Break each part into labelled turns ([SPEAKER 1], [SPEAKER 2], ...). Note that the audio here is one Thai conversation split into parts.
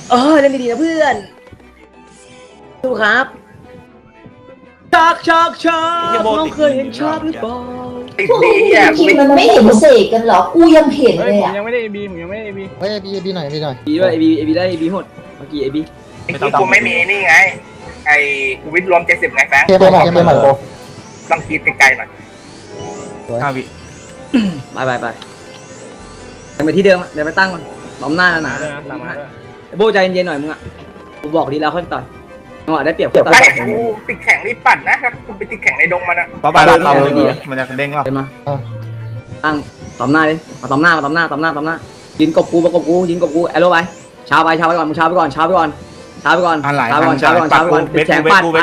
[SPEAKER 1] เล่นดีๆนะเพื่อนดูครับชักน้องเคยเห็นชักหรือเปล่า
[SPEAKER 2] ติดดีอ่ะกู
[SPEAKER 3] คิด
[SPEAKER 2] ไม่
[SPEAKER 3] มันไม่เห็นเสกกันหรอกูยังเห็น
[SPEAKER 4] เฮ้ย
[SPEAKER 3] เลย
[SPEAKER 4] ผม
[SPEAKER 3] อ่ะ
[SPEAKER 4] ยังไม่ได้ AB ผมยังไม่ได้ AB
[SPEAKER 5] เฮ้ยบีหน่อยบีหน่อย
[SPEAKER 1] บีด้วยเอบีได้เอบีหดเมื่อกี้เอบี
[SPEAKER 2] กูไม่มีนี่ไงไอ้กูวิทย์รวม70ไงแฟง
[SPEAKER 5] เกมใหม่เกมใหม่โบ
[SPEAKER 2] ต้องคิดไกลๆหน่อย
[SPEAKER 6] 5 วิ
[SPEAKER 1] ไปเดินไปที่เดิมเดินไปตั้งมันล้อมหน้าหนา
[SPEAKER 4] ด้วยนะตามมาด้วย
[SPEAKER 1] โบใจเย็นๆหน่อยมึงอ่ะกูบอกดีแล้วค่อยต่อยจังหวะได้เปรียบต่อย
[SPEAKER 2] ไม่กูติดแข่งรีบปั่นนะกูไปติดแข่งในดงมันอ่ะ
[SPEAKER 6] ต่อไปเรามันจะเด้งเรา
[SPEAKER 1] เดินมาตั้งต่อมหน้าดิมาต่อมหน้ายินกบกูยินกบกูแอโร่ไปช้าไปก่อนมึงช้าไปก่อนติดแข่งปัดไป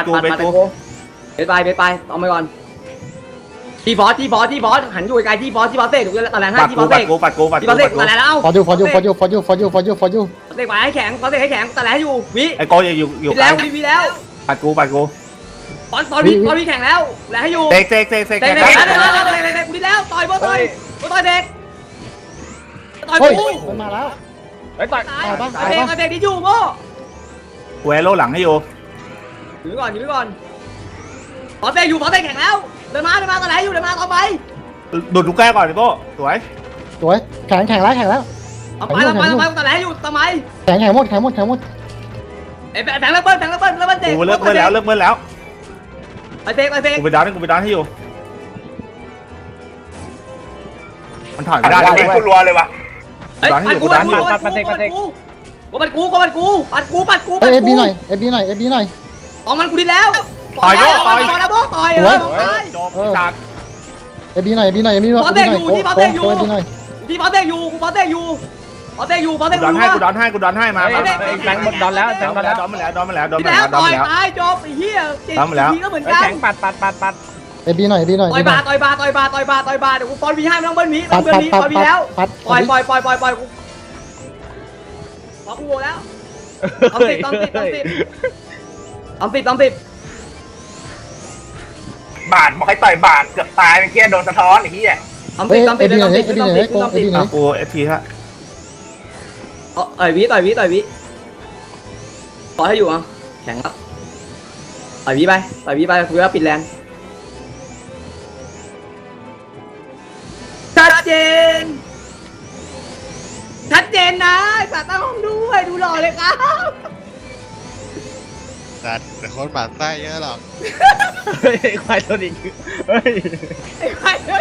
[SPEAKER 1] เอาไปก่อนทีบอสหันอยู่ไกลทีบอสเตะถูกแล้วตะแลนให้
[SPEAKER 6] ปัด
[SPEAKER 1] ทีบ
[SPEAKER 6] กู
[SPEAKER 1] อส
[SPEAKER 6] ปั
[SPEAKER 1] เตะ
[SPEAKER 6] ดกูปัดกูปัด
[SPEAKER 1] ที
[SPEAKER 6] กู
[SPEAKER 1] บอสเตะ
[SPEAKER 6] ปัดกู
[SPEAKER 1] ตะแลนแล้ว
[SPEAKER 5] ฟอร์ยู
[SPEAKER 1] เตะไปให้แข็งตะแลนอยู่วิ
[SPEAKER 6] ไอ้โกอยู่
[SPEAKER 1] แล้ววิแล้ว
[SPEAKER 6] ปัดกู
[SPEAKER 1] ตอนวิแข่งแล้วแลให้อยู่
[SPEAKER 6] เตะ
[SPEAKER 1] เตะกูแล้วต่อยบอสต่อยเด็กต่อย
[SPEAKER 5] เฮ้ย
[SPEAKER 1] กู
[SPEAKER 5] มันมาแล้ว
[SPEAKER 4] เฮ้ยต่อย
[SPEAKER 1] ตายเด็กที่อยู่โม่
[SPEAKER 6] กูแอโร่หลังให้อยู่
[SPEAKER 1] อยู่ก่อนบอสเตะแข่งแล้วเดินมาตะแลนอยู่เดินมาต่อไป
[SPEAKER 6] ดูดลูกแก้วก่อนดิโก้สวย
[SPEAKER 5] สวยแข่งแล้ว
[SPEAKER 1] เอาไปตะแลนอยู่ทำไม
[SPEAKER 5] แข่งหมด
[SPEAKER 1] ไอ้แบงค์เบิ้ลเตะ
[SPEAKER 6] กูเลิกเมื่อแล้ว
[SPEAKER 1] ไปเตะ
[SPEAKER 6] กูไปดาวให้อยู่มันถอยไม่ได้
[SPEAKER 2] ได้กูรัวเลยว่ะ
[SPEAKER 1] ปัดกู
[SPEAKER 5] เฮ้ยบีหน่อย
[SPEAKER 1] ออกมันกูดีแล้วต่อย
[SPEAKER 6] จบจาก
[SPEAKER 5] บีหน่อยโอ้บีหน่อย
[SPEAKER 1] ที่บอสเตะอยู่กูบอสเตะอยู่
[SPEAKER 6] กูดอนให้มา
[SPEAKER 4] แบงค์หมดดอนแล้วแบงค์หมดแล้ว
[SPEAKER 6] ดอนมาแล้ว
[SPEAKER 1] ที่แล้วต่อยตายจบไอ้เหี้ยทีก็เหมือน
[SPEAKER 4] เฮ้ย
[SPEAKER 1] กัน
[SPEAKER 4] แข็งปัด
[SPEAKER 5] บีหน่อย
[SPEAKER 1] ต่อยบาเดี๋ยวกูปอนวีให้ไม่ต้องเบิ้ลมีต้องเบิ้ลมีปอนวีแล้วปล่อยกูพอกูโวแล้วต้องติด
[SPEAKER 2] บาดบอกให้ต่อยบาดเกือบตายเมื่อกี้โดนสะท้อนไอ้เหี้ย
[SPEAKER 1] ต้องติด
[SPEAKER 6] กูเอฟพีฮะ
[SPEAKER 1] ต่อยวิต่อให้อยู่อ่ะแข็งแล้วต่อยวิไปคุยว่าปิดแรงชัดเจนนะสัตว์ตั้งห้องด้วยดูหล่อเลยครับ
[SPEAKER 7] สัตว์แต่คนหมั่นไส้เยอะหรอก
[SPEAKER 4] เฮ้ยควายตัวนี้เฮ้ย
[SPEAKER 1] ไอ้ใครเนี่ย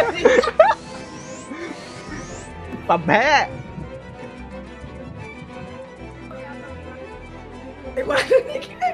[SPEAKER 4] ปั๊มแพ้
[SPEAKER 1] ไอ้ใคร